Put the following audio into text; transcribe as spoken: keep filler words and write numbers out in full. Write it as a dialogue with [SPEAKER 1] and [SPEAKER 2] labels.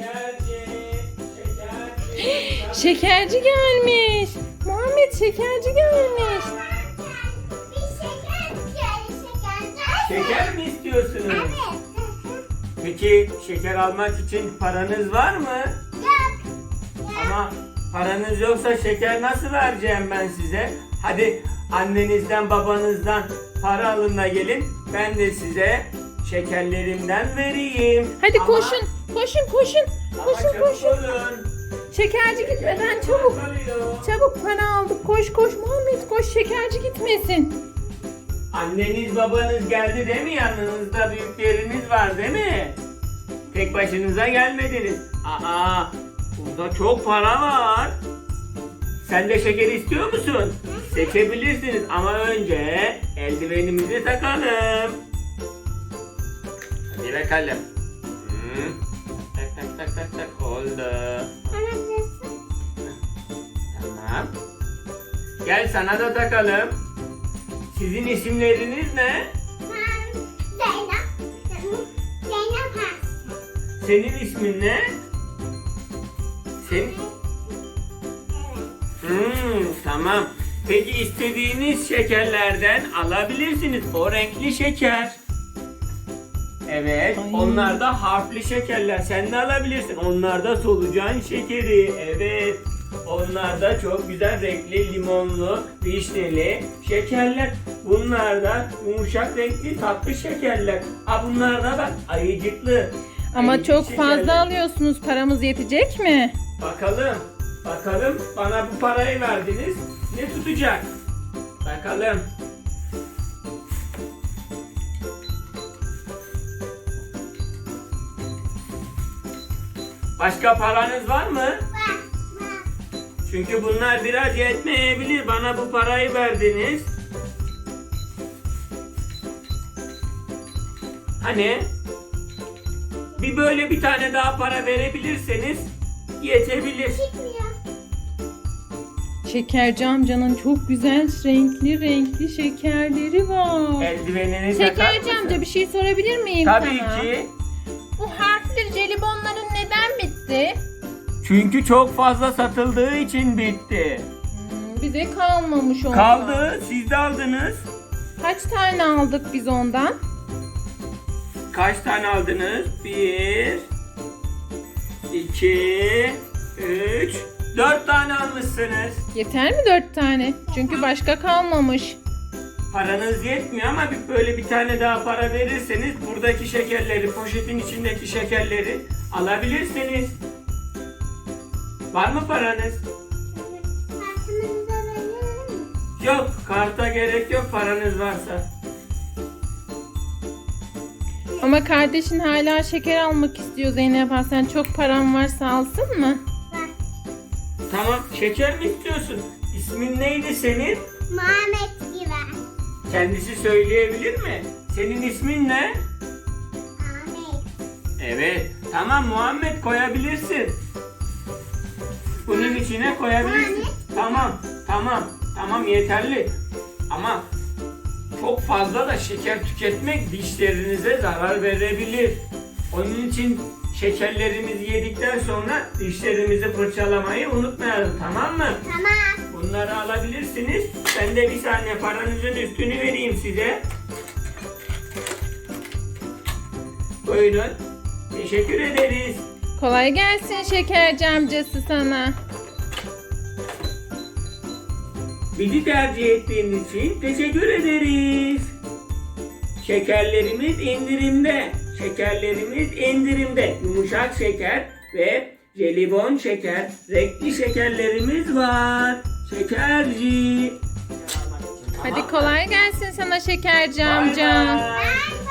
[SPEAKER 1] Şekerci. Şekerci.
[SPEAKER 2] Şekerci gelmiş. Muhammed şekerci gelmiş.
[SPEAKER 3] Bir şeker, şeker, şeker.
[SPEAKER 1] Şeker mi istiyorsunuz?
[SPEAKER 3] Evet.
[SPEAKER 1] Peki şeker almak için paranız var mı?
[SPEAKER 3] Yok.
[SPEAKER 1] Ama paranız yoksa şeker nasıl vereceğim ben size? Hadi annenizden babanızdan para alın da gelin. Ben de size şekerlerimden vereyim.
[SPEAKER 2] Hadi
[SPEAKER 1] Ama-
[SPEAKER 2] koşun. Koşun koşun.
[SPEAKER 1] ama
[SPEAKER 2] Koşun
[SPEAKER 1] çabuk
[SPEAKER 2] koşun.
[SPEAKER 1] olun.
[SPEAKER 2] Şekerci gitmeden çabuk.
[SPEAKER 1] Kalıyor.
[SPEAKER 2] Çabuk para aldık. Koş koş Muhammed koş şekerci gitmesin.
[SPEAKER 1] Anneniz babanız geldi değil mi? Yanınızda büyükleriniz var değil mi? Tek başınıza gelmediniz. Aa, burada çok para var. Sen de şeker istiyor musun? Seçebilirsiniz ama önce eldivenimizi takalım. Hadi bakalım. Hı. Tak tak tak tak tak oldu. Tamam. Gel sana da takalım. Sizin isimleriniz ne?
[SPEAKER 3] Zeynep. Zeynep Hasan.
[SPEAKER 1] Senin ismin ne? Senin? Hmm, tamam. Peki istediğiniz şekerlerden alabilirsiniz. O renkli şeker. Evet.
[SPEAKER 2] Ay.
[SPEAKER 1] Onlar da harfli şekerler. Sen de alabilirsin. Onlar da solucan şekeri. Evet. Onlar da çok güzel renkli limonlu, vişneli şekerler. Bunlar da yumuşak renkli tatlı şekerler. Ha bunlar da bak ayıcıklı.
[SPEAKER 2] Ama
[SPEAKER 1] ayıcık
[SPEAKER 2] çok
[SPEAKER 1] şekerler.
[SPEAKER 2] fazla alıyorsunuz. Paramız yetecek mi?
[SPEAKER 1] Bakalım. Bakalım bana bu parayı verdiniz. Ne tutacak? Bakalım. Başka paranız var mı?
[SPEAKER 3] Var. Var.
[SPEAKER 1] Çünkü bunlar biraz yetmeyebilir. Bana bu parayı verdiniz. Hani? Bir böyle bir tane daha para verebilirseniz yetebilir.
[SPEAKER 3] Çıkmıyor.
[SPEAKER 2] Şekerci amcanın çok güzel renkli renkli şekerleri var.
[SPEAKER 1] Eldivenini takar
[SPEAKER 2] Şekerci
[SPEAKER 1] mısın?
[SPEAKER 2] amca bir şey sorabilir miyim
[SPEAKER 1] Tabii
[SPEAKER 2] sana?
[SPEAKER 1] ki.
[SPEAKER 2] Bu harfli jelibonların neden bitti?
[SPEAKER 1] Çünkü çok fazla satıldığı için bitti.
[SPEAKER 2] Hmm, bize kalmamış ondan.
[SPEAKER 1] Kaldı. Siz de aldınız.
[SPEAKER 2] Kaç tane aldık biz ondan?
[SPEAKER 1] Kaç tane aldınız? Bir, iki, üç, dört tane almışsınız.
[SPEAKER 2] Yeter mi dört tane? Çünkü başka kalmamış.
[SPEAKER 1] Paranız yetmiyor ama bir böyle bir tane daha para verirseniz buradaki şekerleri, poşetin içindeki şekerleri alabilirsiniz. Var mı paranız?
[SPEAKER 3] Kartımızı verir mi?
[SPEAKER 1] Yok, karta gerek yok paranız varsa.
[SPEAKER 2] Ama kardeşin hala şeker almak istiyor Zeynep Hanım. Sen çok paran varsa alsın mı?
[SPEAKER 3] Var.
[SPEAKER 1] Tamam, şeker mi istiyorsun? İsmin neydi senin?
[SPEAKER 3] Muhammed gibi.
[SPEAKER 1] Kendisi söyleyebilir mi? Senin ismin ne?
[SPEAKER 3] Ahmet.
[SPEAKER 1] Evet. Tamam Muhammed koyabilirsin. Bunun içine koyabilirsin.
[SPEAKER 3] Muhammed.
[SPEAKER 1] Tamam. Tamam. Tamam yeterli. Ama çok fazla da şeker tüketmek dişlerinize zarar verebilir. Onun için şekerlerimizi yedikten sonra dişlerimizi fırçalamayı unutmayalım, tamam mı?
[SPEAKER 3] Tamam.
[SPEAKER 1] Bunları alabilirsiniz. Ben de bir saniye paranızın üstünü vereyim size. Buyurun. Teşekkür ederiz.
[SPEAKER 2] Kolay gelsin şekerci amcası sana.
[SPEAKER 1] Bizi tercih ettiğiniz için teşekkür ederiz. Şekerlerimiz indirimde. Şekerlerimiz indirimde. Yumuşak şeker ve jelibon şeker, renkli şekerlerimiz var. Şekerci.
[SPEAKER 2] Hadi kolay gelsin sana şekerci
[SPEAKER 1] Bay
[SPEAKER 2] amca.
[SPEAKER 1] bay.